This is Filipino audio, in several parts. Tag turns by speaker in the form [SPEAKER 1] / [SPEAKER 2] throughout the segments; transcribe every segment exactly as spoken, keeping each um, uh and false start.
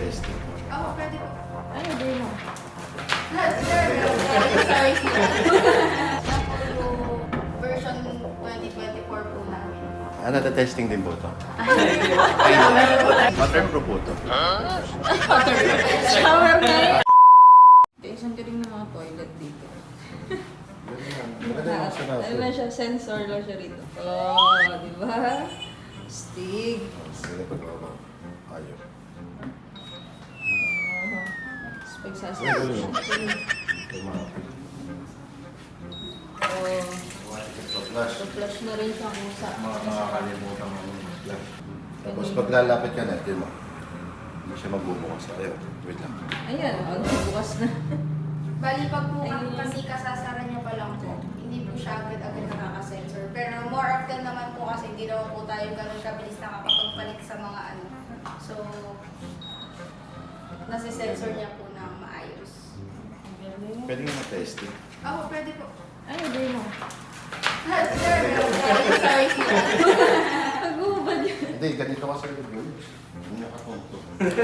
[SPEAKER 1] testing.
[SPEAKER 2] Oo, pwede po.
[SPEAKER 3] Ay, hindi mo.
[SPEAKER 2] Lahat, sir. Sorry, sir. Version twenty twenty-four po namin.
[SPEAKER 1] Ah, nata-testing din po ito. Waterproof po ito.
[SPEAKER 3] Shower na yun. Isang ka rin ng mga toilet dito.
[SPEAKER 1] Maganda yung sarap.
[SPEAKER 3] Ano lang siya, sensor lang siya rito. Oh, di ba? Stig.
[SPEAKER 1] Sila pagbaba. Ayaw.
[SPEAKER 3] Oh, tapos pagsasabi siya. Oh,
[SPEAKER 1] Flash.
[SPEAKER 3] flash na rin siya kung sa...
[SPEAKER 1] Mga makakalimutan mo yung flash. Tapos pag lalapit ka na, di mo. Hindi siya magbubukas. Ayaw. Wait lang.
[SPEAKER 3] Ayan, ano, bukas na.
[SPEAKER 2] Bali, pag po
[SPEAKER 3] Ayun.
[SPEAKER 2] kasi kasasara niya pa lang po, hindi po siya agad-agad nakaka-sensor. Pero more often naman po kasi hindi naman po tayo ganun kabilis nakapagpalit sa mga ano. So, nasi-sensor niya po na maayos.
[SPEAKER 1] Pwede nga na-testing.
[SPEAKER 2] Oo, pwede po.
[SPEAKER 3] Ay, hindi mo.
[SPEAKER 2] Lahat, sir. Sorry, sir.
[SPEAKER 3] Pag-ubad yun.
[SPEAKER 1] Hindi, ganito ka sa review. Hindi nakapunto.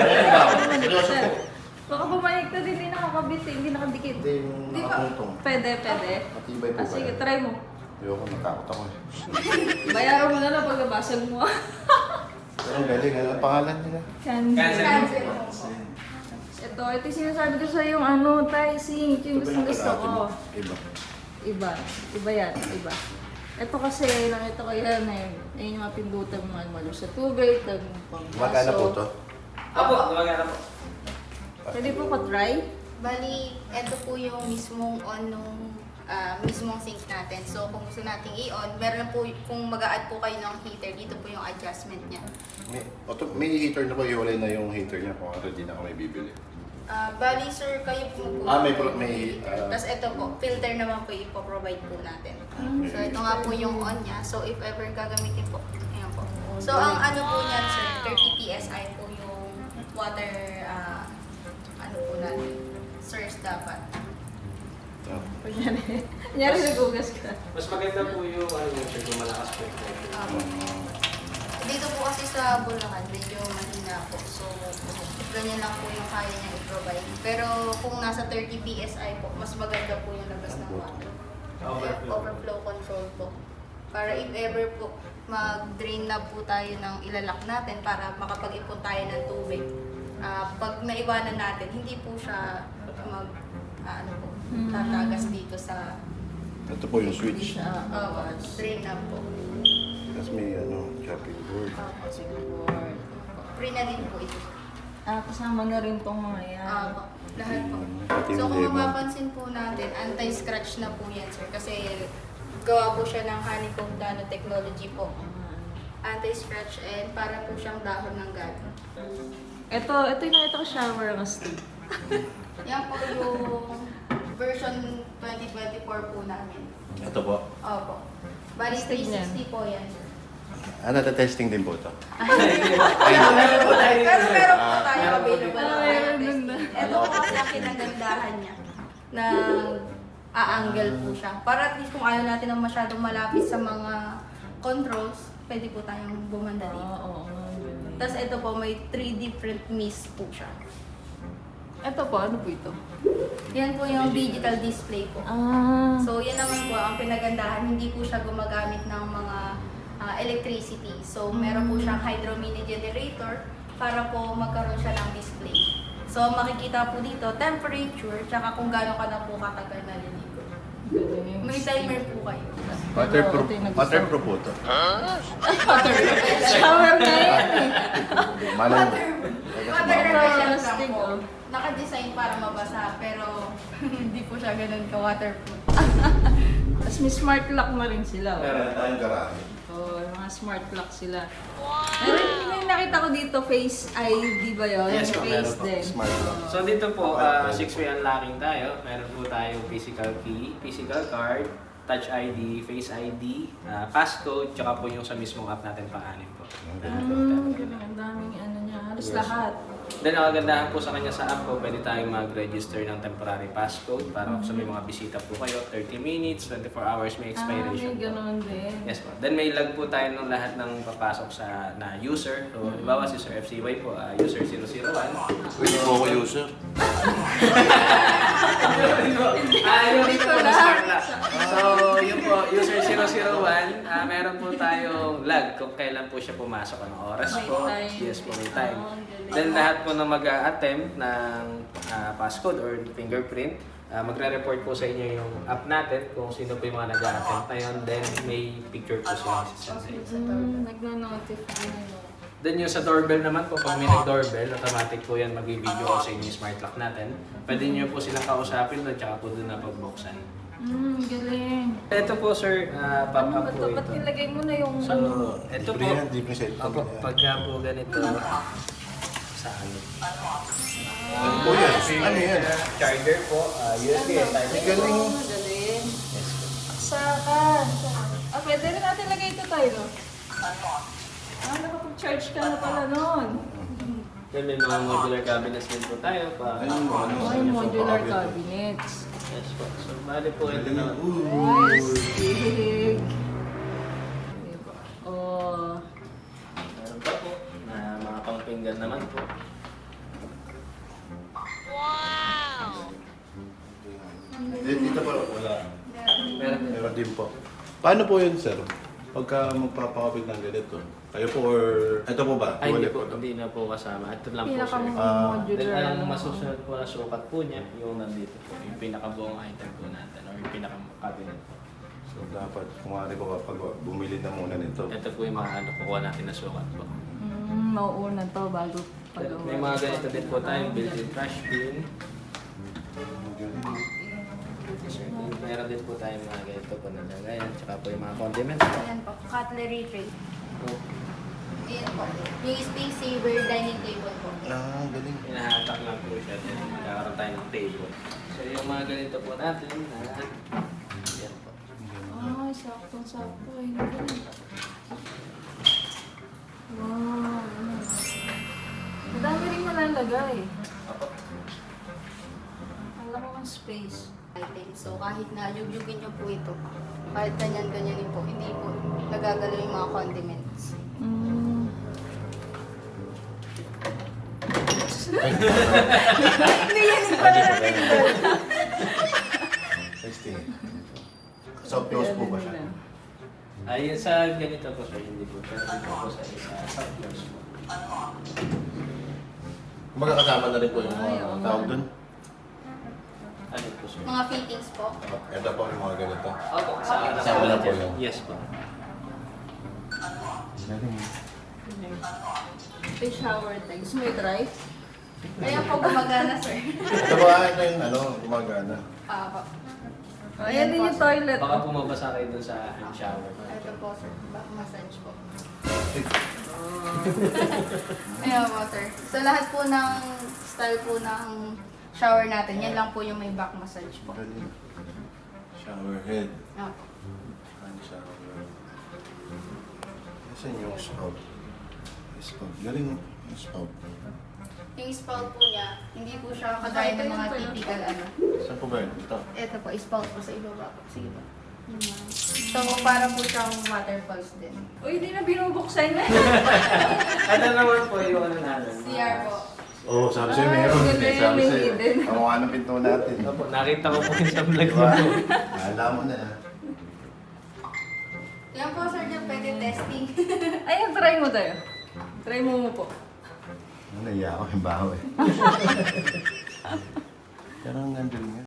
[SPEAKER 3] Seryoso po. Baka pumayag ka din, hindi nakakabit eh, hindi nakadikit.
[SPEAKER 1] Hindi yung
[SPEAKER 2] Di ba?
[SPEAKER 1] nakapuntong.
[SPEAKER 3] Pwede, pwede.
[SPEAKER 1] Matibay po
[SPEAKER 3] Ah,
[SPEAKER 1] ba
[SPEAKER 3] sige,
[SPEAKER 1] yan?
[SPEAKER 3] try mo.
[SPEAKER 1] Ayoko, natakot ako eh.
[SPEAKER 3] Bayaran mo na lang pag nabasag mo.
[SPEAKER 1] Pero ang galing, ano ang pangalan nila?
[SPEAKER 3] Cancel.
[SPEAKER 2] Cancel po.
[SPEAKER 3] Ito, ito yung sinasabi ko sa yung ano, Taising. Ito yung gusto gusto ko.
[SPEAKER 1] Iba.
[SPEAKER 3] Iba. Iba yan, iba. Ito kasi, nakita ko yan eh. Ayun yung mga pindutan mo, malo sa tubig, tag
[SPEAKER 1] Magkano po to?
[SPEAKER 4] Opo, gumagana po.
[SPEAKER 3] Pwede po pa-try?
[SPEAKER 2] Bali, ito po yung mismong on nung ah, mismong sink natin. So, kung gusto nating i-on, meron po, kung mag-a-add po kayo ng heater, dito po yung adjustment niya.
[SPEAKER 1] May, auto, may heater na po, iwalay na yung heater niya kung ano, di na ako may bibili.
[SPEAKER 2] Ah, bali, sir, kayo po po.
[SPEAKER 1] Ah, may pro- may, ah,
[SPEAKER 2] Tapos ito po, filter naman po ipo-provide po natin. So, ito nga po yung on niya. So, if ever gagamitin po, ayan po. So, ang ano po niyan, sir, thirty P S I po yung water, ah, ano po natin, source dapat.
[SPEAKER 1] ah,
[SPEAKER 3] Kunyari, kunyari nagugas ka.
[SPEAKER 4] Mas maganda po yung ano yung siya, yung malakas po.
[SPEAKER 2] Um, dito po kasi sa Bulacan, medyo mahina po. So, ganyan lang po yung kaya niya i-provide. Pero kung nasa thirty P S I po, mas maganda po yung labas ng water.
[SPEAKER 4] Overflow.
[SPEAKER 2] Overflow control po. Para if ever po, mag-drain na po tayo ng ilalak natin para makapag-ipon tayo ng tubig. Ah, pag naiwanan natin, hindi po siya mag, ah, ano po,
[SPEAKER 3] Hmm.
[SPEAKER 2] tatagas dito sa
[SPEAKER 1] ito po yung
[SPEAKER 3] Hindi
[SPEAKER 1] switch.
[SPEAKER 3] siya
[SPEAKER 2] uh,
[SPEAKER 3] awas.
[SPEAKER 2] drain na po.
[SPEAKER 1] Tapos may ano, chopping board.
[SPEAKER 2] Opo.
[SPEAKER 3] Siguro.
[SPEAKER 2] Free na din po ito.
[SPEAKER 3] Ah, kasama na rin tong mga yan.
[SPEAKER 2] Opo. Lahat po.
[SPEAKER 1] Pati
[SPEAKER 2] So
[SPEAKER 1] yung
[SPEAKER 2] kung
[SPEAKER 1] lemon.
[SPEAKER 2] mapapansin po natin, anti-scratch na po yan, sir. Kasi gawa po siya ng honeycomb nanotechnology po. Anti-scratch and para po siyang dahon ng gabi.
[SPEAKER 3] Ito, ito yung nakita ko shower ng stick.
[SPEAKER 2] Yan po yung version twenty twenty-four po namin.
[SPEAKER 1] Ito po.
[SPEAKER 2] Opo. Bali
[SPEAKER 3] Testing
[SPEAKER 2] three sixty
[SPEAKER 3] yan.
[SPEAKER 2] po yan, sir.
[SPEAKER 1] Ah, nata-testing din po ito.
[SPEAKER 2] Pero meron po tayo available
[SPEAKER 3] Ah,
[SPEAKER 2] na
[SPEAKER 3] meron
[SPEAKER 2] testing.
[SPEAKER 3] dun na.
[SPEAKER 2] Ito po kasi ang kinagandahan niya na a-angle po siya. Para at least kung ayaw natin ng masyadong malapit sa mga controls, pwede po tayong bumanda dito.
[SPEAKER 3] Oo, oo.
[SPEAKER 2] Tapos ito po, may three different mists po siya.
[SPEAKER 3] Ito po, ano po ito?
[SPEAKER 2] Yan po yung digital display po.
[SPEAKER 3] Ah.
[SPEAKER 2] So, yan naman po ang pinagandahan. Hindi po siya gumagamit ng mga ah, electricity. So, meron po siyang hydro mini generator para po magkaroon siya ng display. So, makikita po dito, temperature, tsaka kung gaano ka na po katagal naliligo. May timer po kayo.
[SPEAKER 1] Waterproof,
[SPEAKER 3] ito yung nagustuhan.
[SPEAKER 1] waterproof po ito.
[SPEAKER 3] Shower na yan eh.
[SPEAKER 1] Malay mo.
[SPEAKER 2] Water,
[SPEAKER 1] Kasi
[SPEAKER 2] water
[SPEAKER 1] baka-
[SPEAKER 2] repellent lang
[SPEAKER 3] Plastic,
[SPEAKER 2] po.
[SPEAKER 3] oh.
[SPEAKER 2] Naka-design para mabasa, pero hindi po siya ganun ka-waterproof.
[SPEAKER 3] Tapos may smart lock na rin sila. Oh.
[SPEAKER 1] Meron tayong garahe.
[SPEAKER 3] Oh, yung mga smart lock sila. Meron yung nakita ko dito, Face I D ba yun?
[SPEAKER 4] Yes, ma'am,
[SPEAKER 3] Face
[SPEAKER 4] meron po.
[SPEAKER 3] din.
[SPEAKER 1] Smart lock.
[SPEAKER 3] Oh.
[SPEAKER 4] So dito po, uh, six-way unlocking tayo. Meron po tayong physical key, physical card, touch I D, face I D, uh, passcode, tsaka po yung sa mismong app natin pang-anim po.
[SPEAKER 1] Ang
[SPEAKER 3] Ah,
[SPEAKER 1] ganito.
[SPEAKER 3] galing. Ang daming ano niya. Halos
[SPEAKER 4] Yes.
[SPEAKER 3] lahat.
[SPEAKER 4] Then ang kagandahan po sa kanya sa app po, pwede tayong mag-register ng temporary passcode para kung sa may mga bisita po kayo, thirty minutes, twenty-four hours may
[SPEAKER 3] Ah,
[SPEAKER 4] expiration
[SPEAKER 3] may
[SPEAKER 4] po.
[SPEAKER 3] ganun din.
[SPEAKER 4] Yes po. Then may lag po tayo ng lahat ng papasok sa na user. So, halimbawa si Sir F C Y po, ah, user zero zero one.
[SPEAKER 1] po ako user.
[SPEAKER 4] Ah, yung dito po na smart lock. So, yun po, user zero zero one, ah, meron po tayong lag kung kailan po siya pumasok, anong oras po.
[SPEAKER 3] May time.
[SPEAKER 4] Yes po, may time.
[SPEAKER 3] Oh, ang galing.
[SPEAKER 4] Then lahat po na mag-a-attempt ng ah, passcode or fingerprint, ah, magre-report po sa inyo yung app natin kung sino po yung mga nag-a-attempt na yun. Then may picture po sila sa side.
[SPEAKER 3] Hmm, nagna-notify ano.
[SPEAKER 4] Then yung sa doorbell naman po, pag may nag-doorbell, automatic po yan mag-video call sa inyo yung smart lock natin. Pwede nyo po silang kausapin doon, tsaka po doon na pagbuksan.
[SPEAKER 3] Hmm, galing.
[SPEAKER 4] Ito po sir, uh,
[SPEAKER 3] Ano
[SPEAKER 4] pop-up
[SPEAKER 3] ba
[SPEAKER 4] po
[SPEAKER 3] to? Ba't
[SPEAKER 4] ito.
[SPEAKER 3] nilagay mo na yung
[SPEAKER 4] So,
[SPEAKER 3] ano?
[SPEAKER 4] ito po,
[SPEAKER 1] Libre yan, libre sa ito.
[SPEAKER 4] Opo, pagka po ganito, sa ano?
[SPEAKER 1] Ano po yan? Ano yan?
[SPEAKER 4] Charger po, uh, U S B and type.
[SPEAKER 1] Ang galing.
[SPEAKER 3] Oh, galing.
[SPEAKER 4] Yes po.
[SPEAKER 3] Saka. Ah, pwede rin natin lagay ito tayo, no? Ah, nakapag-charge ka na pala nun.
[SPEAKER 4] Then may mga modular cabinets din po tayo pa.
[SPEAKER 1] Ayun, ano,
[SPEAKER 3] Ay,
[SPEAKER 1] ano,
[SPEAKER 3] modular
[SPEAKER 1] so,
[SPEAKER 3] cabinets.
[SPEAKER 4] Yes po. So, bali po ito na.
[SPEAKER 3] Yes, big. Diba? Oh.
[SPEAKER 4] Meron pa po na mga pangpinggan naman po.
[SPEAKER 1] Dito dito po, wala.
[SPEAKER 4] Meron
[SPEAKER 1] Meron din po. Paano po yun, sir? Pagka magpapakabit ng ganito, kayo po or... Ito po ba?
[SPEAKER 4] Ay, hindi
[SPEAKER 1] Wallet
[SPEAKER 4] po.
[SPEAKER 1] to?
[SPEAKER 4] Hindi na po kasama. Ito lang po sir.
[SPEAKER 1] Ah,
[SPEAKER 4] Then,
[SPEAKER 3] Pinaka-modular.
[SPEAKER 4] ang
[SPEAKER 3] ano.
[SPEAKER 4] masusunod po na sukat po niya, yung nandito po, yung pinakabuong item po natin, or yung pinaka-cabinet po.
[SPEAKER 1] So, dapat, kumari po kapag bumili na muna nito.
[SPEAKER 4] Ito po yung mga ano, kukuha natin na sukat po.
[SPEAKER 3] Mm, mauuna to bago
[SPEAKER 4] Then,
[SPEAKER 3] pagawa.
[SPEAKER 4] may mga ganito din po tayong built-in trash bin. Meron din po tayong mga ganito po na lagayan, tsaka po yung mga condiments po.
[SPEAKER 2] Ayan po, cutlery tray.
[SPEAKER 4] Oh,
[SPEAKER 2] Ayan po, yung space saver dining table po.
[SPEAKER 1] Ah, galing.
[SPEAKER 4] Hinahatak lang po siya, then magkakaroon tayo ng table. So yung mga ganito po natin, na yan po.
[SPEAKER 3] Ay, saktong-sakto. Ay, galing. Wow. ano. Madami rin malalagay. Ang laki ng space.
[SPEAKER 2] Item. So kahit na yugyugin nyo po ito, kahit ganyan-ganyan po, hindi po nagagalaw yung mga condiments.
[SPEAKER 3] Mm.
[SPEAKER 2] Hindi yan yung pala natin doon.
[SPEAKER 1] sixteen. Soft close po ba siya?
[SPEAKER 4] Ay, sa ganito po sir, hindi po. Pero dito po sa isa, soft close po.
[SPEAKER 1] Kumbaga kasama na rin po yung
[SPEAKER 3] Ay,
[SPEAKER 1] mga
[SPEAKER 3] oo
[SPEAKER 1] tawag
[SPEAKER 3] nga.
[SPEAKER 1] dun.
[SPEAKER 4] Ano po sir?
[SPEAKER 2] Mga fittings po.
[SPEAKER 1] Ito po yung mga ganito.
[SPEAKER 4] Opo, sa
[SPEAKER 1] Kasama na po yun.
[SPEAKER 4] Yes po.
[SPEAKER 1] Galing.
[SPEAKER 3] Ito yung shower tag. Gusto mo i-try?
[SPEAKER 2] Ayan po gumagana, sir.
[SPEAKER 1] Ito ba ito yung ano, gumagana?
[SPEAKER 2] Ah, po.
[SPEAKER 3] Oh, ayan din yung toilet.
[SPEAKER 4] Baka pumabasa kayo dun sa hand shower.
[SPEAKER 2] Ito po, sir. Back massage po.
[SPEAKER 3] Oh.
[SPEAKER 2] Ayan po, sir. So lahat po ng style po ng shower natin, yan lang po yung may back massage po.
[SPEAKER 1] Galing. Shower head.
[SPEAKER 2] Ah, po.
[SPEAKER 1] Hand shower. Saan yung spout? Spout. Galing yung spout.
[SPEAKER 2] Yung spout po niya, hindi po siya kagaya ng mga typical ano.
[SPEAKER 1] Saan po ba yun? Ito.
[SPEAKER 2] Ito po, spout po sa ibaba po. Sige po. Yun lang. So, para po siyang waterfalls din.
[SPEAKER 3] Uy, di na binubuksan na.
[SPEAKER 4] Ito naman po yung ano natin.
[SPEAKER 2] C R po.
[SPEAKER 1] Oo, oh, sabi sa'yo
[SPEAKER 3] Ay,
[SPEAKER 1] meron.
[SPEAKER 3] galing,
[SPEAKER 1] Eh, sabi
[SPEAKER 3] may
[SPEAKER 1] sa'yo.
[SPEAKER 3] hidden.
[SPEAKER 1] Ang mukha ng pinto natin.
[SPEAKER 4] Opo, nakita ko po yun sa vlog
[SPEAKER 1] Diba?
[SPEAKER 4] niyo.
[SPEAKER 1] Alam mo na.
[SPEAKER 2] Yan po, sir, dyan pwede testing.
[SPEAKER 3] Ayan, try mo tayo. Try mo mo po.
[SPEAKER 1] Ano, naiya ako yung baho eh. Pero ang nandun nga.